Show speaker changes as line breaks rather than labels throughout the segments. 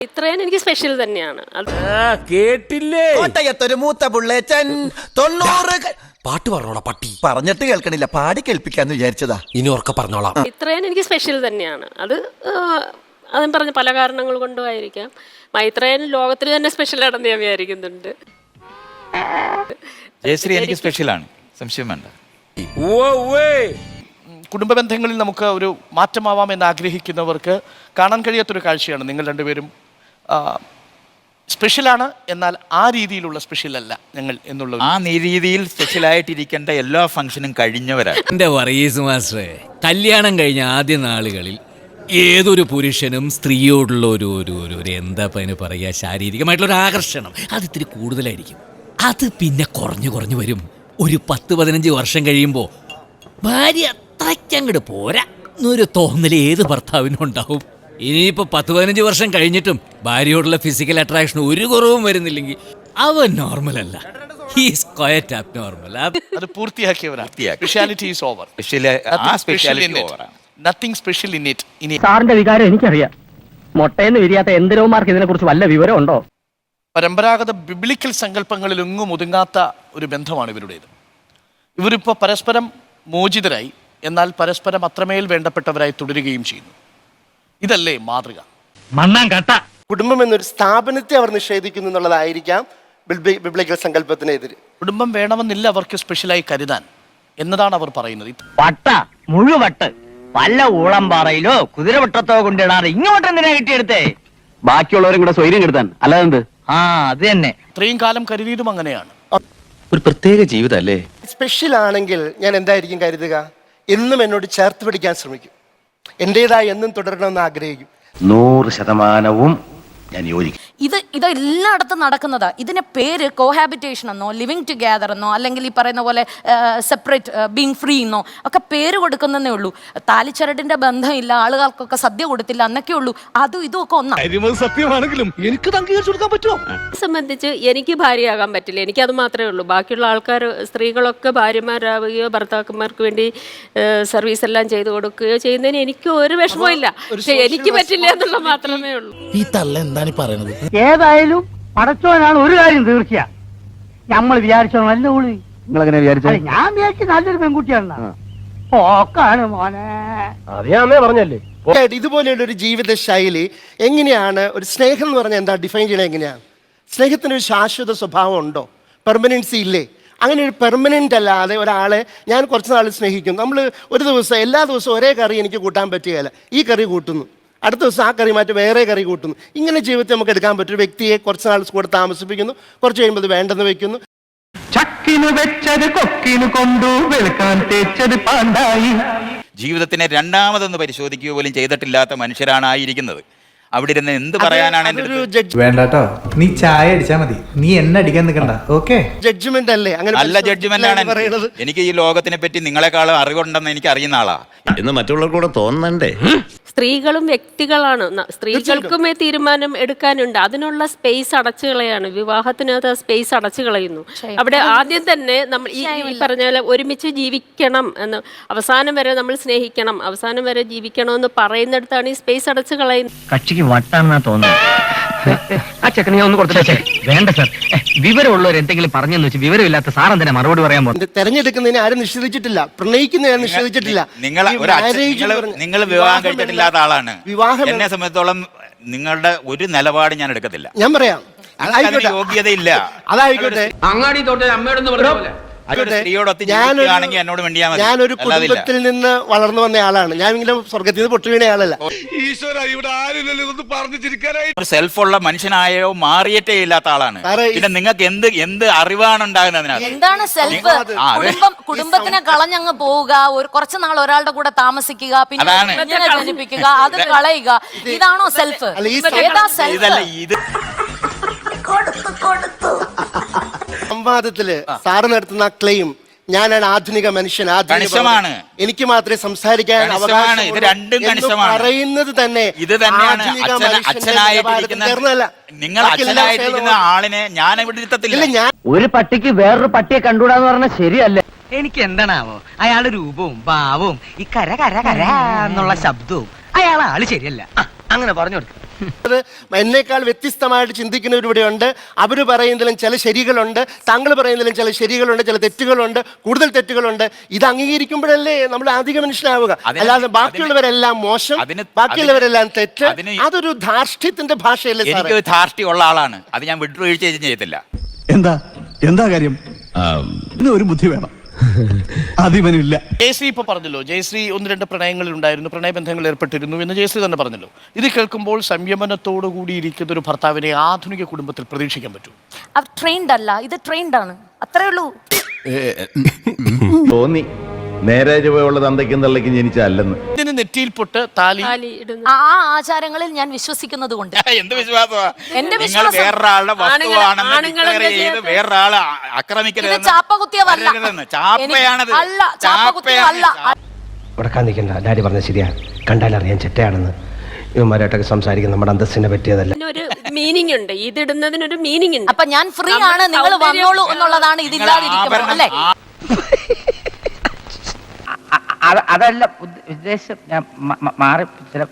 ഇത്രയും എനിക്ക് സ്പെഷ്യൽ തന്നെയാണ്.
കേട്ടില്ലേ?
കോട്ടയത്തൊരു മൂത്ത പുള്ളേച്ചൻ 90
പാട്ട് പറഞ്ഞോളാം പട്ടി.
പറഞ്ഞിട്ട് കേൾക്കണില്ല, പാടി കേൾപ്പിക്കാന്ന് വിചാരിച്ചതാ.
ഇനി ഉറക്കെ പറഞ്ഞോളാം.
ഇത്രയും എനിക്ക് സ്പെഷ്യൽ തന്നെയാണ്. അതും പറഞ്ഞ പല കാരണങ്ങൾ കൊണ്ടും ആയിരിക്കാം. മൈത്രേയൻ ലോകത്തിൽ തന്നെ സ്പെഷ്യലാണെന്ന് ഞാൻ വിചാരിക്കുന്നുണ്ട്.
ജയശ്രീ എനിക്ക് സ്പെഷ്യലാണ്, സംശയം വേണ്ട.
കുടുംബ ബന്ധങ്ങളിൽ നമുക്ക് ഒരു മാറ്റമാവാമെന്ന് ആഗ്രഹിക്കുന്നവർക്ക് കാണാൻ കഴിയാത്തൊരു കാഴ്ചയാണ് നിങ്ങൾ രണ്ടുപേരും സ്പെഷ്യലാണ്, എന്നാൽ ആ രീതിയിലുള്ള സ്പെഷ്യൽ അല്ല ഞങ്ങൾ എന്നുള്ള
ആ രീതിയിൽ സ്പെഷ്യലായിട്ടിരിക്കേണ്ട എല്ലാ ഫംഗ്ഷനും കഴിഞ്ഞവരാണ്.
എന്റെ വർഗീസ് മാസ്റ്ററെ, കല്യാണം കഴിഞ്ഞ ആദ്യ നാളുകളിൽ ഏതൊരു പുരുഷനും സ്ത്രീയോടുള്ള ഒരു എന്താ അതിന് പറയുക, ശാരീരികമായിട്ടുള്ള ഒരു ആകർഷണം അത് ഇത്തിരി കൂടുതലായിരിക്കും. അത് പിന്നെ കുറഞ്ഞു വരും. ഒരു 10-15 വർഷം കഴിയുമ്പോൾ ഭാര്യ അത്രയ്ക്കങ്ങോട്ട് പോരാ എന്നൊരു തോന്നൽ ഏത് ഭർത്താവിനും ഉണ്ടാവും. ഇനിയിപ്പോൾ 10-15 വർഷം കഴിഞ്ഞിട്ടും ഭാര്യയോടുള്ള ഫിസിക്കൽ അട്രാക്ഷൻ ഒരു കുറവും വരുന്നില്ലെങ്കിൽ അവൻ നോർമൽ അല്ല. He's quite abnormal.
അത് പൂർത്തിയാക്കിയവരാണ്. Speciality is over. Nothing special in it. ഇനി
സാറിന്റെ വികാരം എനിക്കറിയാം. മൊട്ടയെന്ന് വിരിയാത്ത എന്തിനോമാർക്ക് ഇതിനെ കുറിച്ച് വല്ല വിവരമുണ്ടോ?
പരമ്പരാഗത ബിബ്ലിക്കൽ സങ്കല്പങ്ങളിൽ എങ്ങും ഒതുങ്ങാത്ത ഒരു ബന്ധമാണ് ഇവരുടേത്. ഇവരിപ്പോൾ പരസ്പരം മോചിതരായി, എന്നാൽ പരസ്പരം അത്രമേൽ വേണ്ടപ്പെട്ടവരായി തുടരുകയും ചെയ്യുന്നു. ഇതല്ലേ മാതൃക?
മണ്ണാൻ കട്ട.
കുടുംബം എന്നൊരു സ്ഥാപനത്തെ അവർ നിഷേധിക്കുന്നു എന്നുള്ളതായിരിക്കാം ബിബ്ലിക്കൽ സങ്കല്പത്തിനെതിരെ.
കുടുംബം വേണമെന്നില്ല അവർക്ക് സ്പെഷ്യലായി കരുതാൻ എന്നതാണ് അവർ പറയുന്നത്.
വട്ട മുഴുവട്ട് വല്ല ഊളംപാറയിലോ കുതിരവട്ടത്തോ കൊണ്ടിടാറ് ഇങ്ങോട്ട് എന്തിനാ കിട്ടിയെടുത്തേ? ബാക്കിയുള്ളവരും കൂടെ സ്വൈര്യം കെടുത്താൻ, അല്ലാതെ അത് തന്നെ.
ഇത്രയും കാലം കരുതിയതും അങ്ങനെയാണ്.
ഒരു പ്രത്യേക ജീവിതല്ലേ.
സ്പെഷ്യൽ ആണെങ്കിൽ ഞാൻ എന്തായിരിക്കും കരുതുക? എന്നും എന്നോട് ചേർത്ത് പിടിക്കാൻ ശ്രമിക്കും, എൻ്റെതായി എന്നും തുടരണമെന്ന് ആഗ്രഹിക്കും.
100% ഞാൻ യോജിക്കും.
ഇത് എല്ലായിടത്തും നടക്കുന്നതാ. ഇതിന് പേര് കോഹാബിറ്റേഷൻ എന്നോ ലിവിങ് ടുഗെദർ എന്നോ അല്ലെങ്കിൽ ഈ പറയുന്ന പോലെ സെപ്പറേറ്റ് ബീങ് ഫ്രീ എന്നോ ഒക്കെ പേര് കൊടുക്കുന്നതേ ഉള്ളൂ. താലിച്ചരടിന്റെ ബന്ധമില്ല, ആളുകൾക്കൊക്കെ സദ്യ കൊടുത്തില്ല എന്നൊക്കെ ഉള്ളൂ. അതും ഇതും ഒക്കെ ഒന്നാണ്.
സത്യമാണെങ്കിലും എനിക്ക് അംഗീകരിച്ചു കൊടുക്കാൻ പറ്റുമോ?
സംബന്ധിച്ച് എനിക്ക് ഭാര്യയാകാൻ പറ്റില്ല. എനിക്കത് മാത്രമേ ഉള്ളൂ. ബാക്കിയുള്ള ആൾക്കാർ, സ്ത്രീകളൊക്കെ ഭാര്യമാരാവുകയോ ഭർത്താക്കന്മാർക്ക് വേണ്ടി സർവീസ് എല്ലാം ചെയ്തു കൊടുക്കുകയോ ചെയ്യുന്നതിന് എനിക്ക് ഒരു വിഷമവും ഇല്ല. പക്ഷെ എനിക്ക് പറ്റില്ല എന്നുള്ള മാത്രമേ ഉള്ളൂ.
ഈ തള്ള എന്താണ് പറയുന്നത്?
ഏതായാലും പടച്ചോനാണ് ഒരു കാര്യം തീർച്ചയാ. നമ്മൾ വിചാരിച്ചോ നല്ല ഉള്ളി.
നിങ്ങളെങ്ങനെ വിചാരിച്ചത്?
ഞാൻ വിചാരിച്ചു നല്ലൊരു പെൺകുട്ടിയാണ്. ഓക്കാണ് മോനെ.
അറിയാമേ പറഞ്ഞല്ലേ.
ഇതുപോലെയുള്ള ഒരു ജീവിത ശൈലി എങ്ങനെയാണ്? ഒരു സ്നേഹം എന്ന് പറഞ്ഞാൽ എന്താ ഡിഫൈൻ ചെയ്യണത്? എങ്ങനെയാണ് സ്നേഹത്തിനൊരു ശാശ്വത സ്വഭാവം ഉണ്ടോ? പെർമനൻസി ഇല്ലേ? അങ്ങനെ ഒരു പെർമനൻ്റ് അല്ലാതെ ഒരാളെ ഞാൻ കുറച്ച് നാൾ സ്നേഹിക്കും. നമ്മൾ ഒരു ദിവസം എല്ലാ ദിവസവും ഒരേ കറി എനിക്ക് കൂട്ടാൻ പറ്റുകയില്ല. ഈ കറി കൂട്ടുന്നു, അടുത്ത ദിവസം ആ കറി മാറ്റി വേറെ കറി കൂട്ടുന്നു. ഇങ്ങനെ ജീവിതത്തിൽ നമുക്ക് എടുക്കാൻ പറ്റും. ഒരു വ്യക്തിയെ കുറച്ച് നാൾ കൂടെ താമസിപ്പിക്കുന്നു, കുറച്ച് കഴിയുമ്പോൾ വേണ്ടെന്ന് വെക്കുന്നു.
ചക്കിന് വെച്ചത് കൊക്കിന് കൊണ്ടു വെളുക്കാൻ തേച്ചത് പാണ്ടായി.
ജീവിതത്തിനെ രണ്ടാമതൊന്ന് പരിശോധിക്കുക പോലും ചെയ്തിട്ടില്ലാത്ത മനുഷ്യരാണ് ആയിരിക്കുന്നത്. അവിടെ ഇരുന്ന് എന്ത് പറയാനാണ്?
വേണ്ടട്ടോ, നീ ചായ അടിച്ചാ മതി, നീ എന്നെ അടിക്കാൻ നിൽക്കണ്ട. ഓക്കെ,
ജഡ്ജ്മെന്റ് അല്ലേ? അങ്ങനെ
നല്ല ജഡ്ജ്മെന്റ് ആണ് പറയുന്നത്. എനിക്ക് ഈ ലോകത്തിനെ പറ്റി നിങ്ങളെക്കാളും അറിവുണ്ടെന്ന് എനിക്ക് അറിയുന്ന ആളാ
എന്ന് മറ്റുള്ളവർക്കൂടെ തോന്നണ്ടേ?
സ്ത്രീകളും വ്യക്തികളാണ്. സ്ത്രീകൾക്കും തീരുമാനം എടുക്കാനുണ്ട്. അതിനുള്ള സ്പേസ് അടച്ചു കളയാണ്. വിവാഹത്തിനകത്ത് സ്പേസ് അടച്ചു കളയുന്നു. അവിടെ ആദ്യം തന്നെ നമ്മൾ ഈ പറഞ്ഞ പോലെ ഒരുമിച്ച് ജീവിക്കണം എന്ന്, അവസാനം വരെ നമ്മൾ സ്നേഹിക്കണം, അവസാനം വരെ ജീവിക്കണം എന്ന് പറയുന്നിടത്താണ് ഈ സ്പേസ് അടച്ചു കളയുന്നത്.
കക്ഷിക്ക് വട്ടാണെന്നാ തോന്നുന്നു. ആ ചെക്കനെ ഞാൻ ഒന്ന് കൊടുത്തിട്ടേ. വേണ്ട സാർ, വിവരമുള്ളവർ എന്തെങ്കിലും പറഞ്ഞെന്ന് വെച്ച് വിവരമില്ലാത്ത സാർ എന്തിനാ മറുപടി പറയാൻ പോകുന്നത്?
തെരഞ്ഞെടുക്കുന്നതിന് ആരും നിഷേധിച്ചിട്ടില്ല, പ്രണയിക്കുന്നതിന് നിഷേധിച്ചിട്ടില്ല.
നിങ്ങൾ വിവാഹം കഴിച്ചിട്ടില്ലാത്ത ആളാണ്. എന്നെ സംബന്ധിച്ചോളം നിങ്ങളുടെ ഒരു നിലപാട് ഞാൻ എടുക്കത്തില്ല.
ഞാൻ പറയാം,
യോഗ്യതയില്ല.
അതായിക്കോട്ടെ.
അങ്ങാടി തോട്ടെ അമ്മയോടൊന്ന് പറഞ്ഞ പോലെ
ഞാനൊരു കുടുംബത്തിൽ നിന്ന് വളർന്നു വന്ന ആളാണ്. ഞാൻ ഇങ്ങനെ സ്വർഗത്തിൽ നിന്ന് പൊട്ടു വീണ ആളല്ല.
സെൽഫുള്ള മനുഷ്യനായോ മാറിയിട്ടേ ഇല്ലാത്ത ആളാണ്. പിന്നെ നിങ്ങൾക്ക് എന്ത് അറിവാണ് ഉണ്ടാകുന്നത്?
എന്താണ് സെൽഫ്? കുടുംബത്തിനെ കളഞ്ഞങ്ങ് പോവുക, ഒരു കുറച്ചു നാൾ ഒരാളുടെ കൂടെ താമസിക്കുക, പിന്നെ ജനിപ്പിക്കുക, അത് കളയുക. ഇതാണോ സെൽഫ്? ഏതാ സെൽഫ്?
ഇത്
സംവാദത്തില് സാറ് നടത്തുന്ന ക്ലെയിം ഞാനാണ് ആധുനിക മനുഷ്യൻ,
കണിശമാണ്,
എനിക്ക് മാത്രമേ സംസാരിക്കാൻ അവകാശം
ഇത് രണ്ടും കണിശമാണ്
പറയുന്നത് തന്നെ.
ഇത് തന്നെയാണ് നിങ്ങൾ അച്ഛനായിട്ടിരിക്കുന്ന ആളിനെ ഞാൻ ഇവിടെ ഇരുത്തത്തില്ല.
ഒരു പട്ടിക്ക് വേറൊരു പട്ടിയെ കണ്ടുകൂടാന്ന് പറഞ്ഞാൽ ശരിയല്ല. എനിക്ക് എന്താണാവോ അയാളുടെ രൂപവും ഭാവവും ഈ കര കര കര എന്നുള്ള ശബ്ദവും അയാൾ ആള് ശരിയല്ല. അങ്ങനെ പറഞ്ഞു കൊടുക്ക.
അത് എന്നേക്കാൾ വ്യത്യസ്തമായിട്ട് ചിന്തിക്കുന്നവർ ഇവിടെയുണ്ട്. അവർ പറയുന്നതിലും ചില ശരികളുണ്ട്, താങ്കൾ പറയുന്നതിലും ചില ശരികളുണ്ട്, ചില തെറ്റുകളുണ്ട്, കൂടുതൽ തെറ്റുകളുണ്ട്. ഇത് അംഗീകരിക്കുമ്പോഴല്ലേ നമ്മൾ അധിക മനുഷ്യനാവുക. അല്ലാതെ ബാക്കിയുള്ളവരെല്ലാം മോശം, ബാക്കിയുള്ളവരെല്ലാം തെറ്റ്, അതൊരു ധാർഷ്ട്യത്തിന്റെ ഭാഷയല്ലേ സാർ?
എനിക്ക് ധാർഷ്ട്യമുള്ള ആളാണ്, അത് ഞാൻ വിട്ടുവീഴ്ച ചെയ്യത്തില്ല.
എന്താ കാര്യം? ഒരു ബുദ്ധി വേണം, അതിവനില്ല.
ജയശ്രീ ഇപ്പൊ പറഞ്ഞല്ലോ, ജയശ്രീ 1-2 പ്രണയങ്ങളിൽ ഉണ്ടായിരുന്നു, പ്രണയബന്ധങ്ങളിൽ ഏർപ്പെട്ടിരുന്നു എന്ന് ജയശ്രീ തന്നെ പറഞ്ഞല്ലോ. ഇത് കേൾക്കുമ്പോൾ സംയമനത്തോടു കൂടി ഇരിക്കുന്ന ഒരു ഭർത്താവിനെ ആധുനിക കുടുംബത്തിൽ പ്രതീക്ഷിക്കാൻ പറ്റും?
ട്രെയിൻഡ് അല്ല, ഇത് ട്രെയിൻഡ് ആണ്, അത്രേ ഉള്ളൂ.
തോന്നി നേരെ ചുവയുള്ള തന്തയ്ക്കും തള്ളയ്ക്കും ജനിച്ചല്ലെന്ന്.
ഇതിന് നെറ്റിയിൽ പൊട്ട് താലി
ആ ആചാരങ്ങളിൽ ഞാൻ വിശ്വസിക്കുന്നത് കൊണ്ട്.
എന്ത് വിശ്വാസമാ?
എന്റെ
നിങ്ങൾ
വിശ്വാസം
വേറൊരാളുടെ വസ്തുവാണെന്ന് declare ചെയ്ത് വേറൊരാളെ ആക്രമിക്കരുത്.
ചാപ്പകുത്തിയതല്ല,
ചാപ്പയാണത്.
അല്ല, ചാപ്പകുത്തിയതല്ല.
ഉടക്കാൻ നിൽക്കണ്ട, ഡാഡി പറഞ്ഞ ശരിയാ, കണ്ടാലറിയാൻ ചെറ്റയാണെന്ന്. ഇവന്മാരായിട്ടൊക്കെ സംസാരിക്കുന്ന നമ്മുടെ അന്തസ്സിനെ പറ്റിയതല്ല.
ഒരു മീനിങ് ഉണ്ട്, ഇതിടുന്നതിനൊരു മീനിങ് ഉണ്ട്.
അപ്പൊ ഞാൻ ഫ്രീ ആണ്, നിങ്ങൾ വന്നോളൂ എന്നുള്ളതാണ് ഇതില്ലാതിരിക്കുന്നത് അല്ലേ?
അതല്ല ഉദ്ദേശം, ഞാൻ മാറി ചില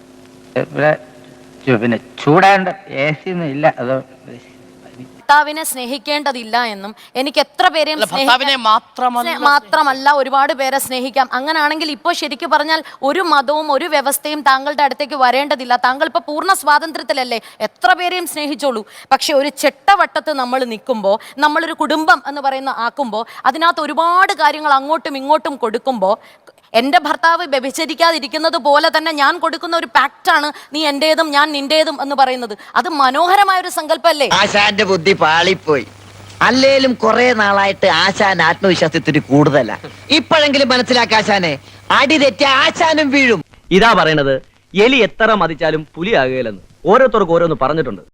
പിന്നെ ചൂടാണ്ട് AC ഒന്നും ഇല്ല, അതോ
ഭർത്താവിനെ സ്നേഹിക്കേണ്ടതില്ല എന്നും എനിക്ക് എത്ര പേരെയും
ഭർത്താവിനെ
മാത്രമല്ല ഒരുപാട് പേരെ സ്നേഹിക്കാം. അങ്ങനാണെങ്കിൽ ഇപ്പോൾ ശരിക്കും പറഞ്ഞാൽ ഒരു മതവും ഒരു വ്യവസ്ഥയും താങ്കളുടെ അടുത്തേക്ക് വരേണ്ടതില്ല. താങ്കൾ ഇപ്പൊ പൂർണ്ണ സ്വാതന്ത്ര്യത്തിലല്ലേ, എത്ര പേരെയും സ്നേഹിച്ചോളൂ. പക്ഷെ ഒരു ചെട്ടവട്ടത്ത് നമ്മൾ നിൽക്കുമ്പോൾ, നമ്മളൊരു കുടുംബം എന്ന് പറയുന്ന ആക്കുമ്പോൾ, അതിനകത്ത് ഒരുപാട് കാര്യങ്ങൾ അങ്ങോട്ടും ഇങ്ങോട്ടും കൊടുക്കുമ്പോൾ, എൻ്റെ ഭർത്താവ് വ്യഭിചരിക്കാതിരിക്കുന്നത് പോലെ തന്നെ ഞാൻ കൊടുക്കുന്ന ഒരു പാക്റ്റാണ് നീ എൻ്റേതും ഞാൻ നിന്റേതും എന്ന് പറയുന്നത്. അത് മനോഹരമായ ഒരു സങ്കല്പമല്ലേ?
ആശാന്റെ ബുദ്ധി പാളിപ്പോയി. അല്ലേലും കുറെ നാളായിട്ട് ആശാൻ ആത്മവിശ്വാസത്തിന് കൂടുതലാ. ഇപ്പോഴെങ്കിലും മനസ്സിലാക്കാശാനെ, അടി തെറ്റി ആശാനും വീഴും.
ഇതാ പറയണത്, എലി എത്ര മതിച്ചാലും പുലിയാകുകയില്ലെന്ന് ഓരോരുത്തർക്ക് ഓരോന്ന് പറഞ്ഞിട്ടുണ്ട്.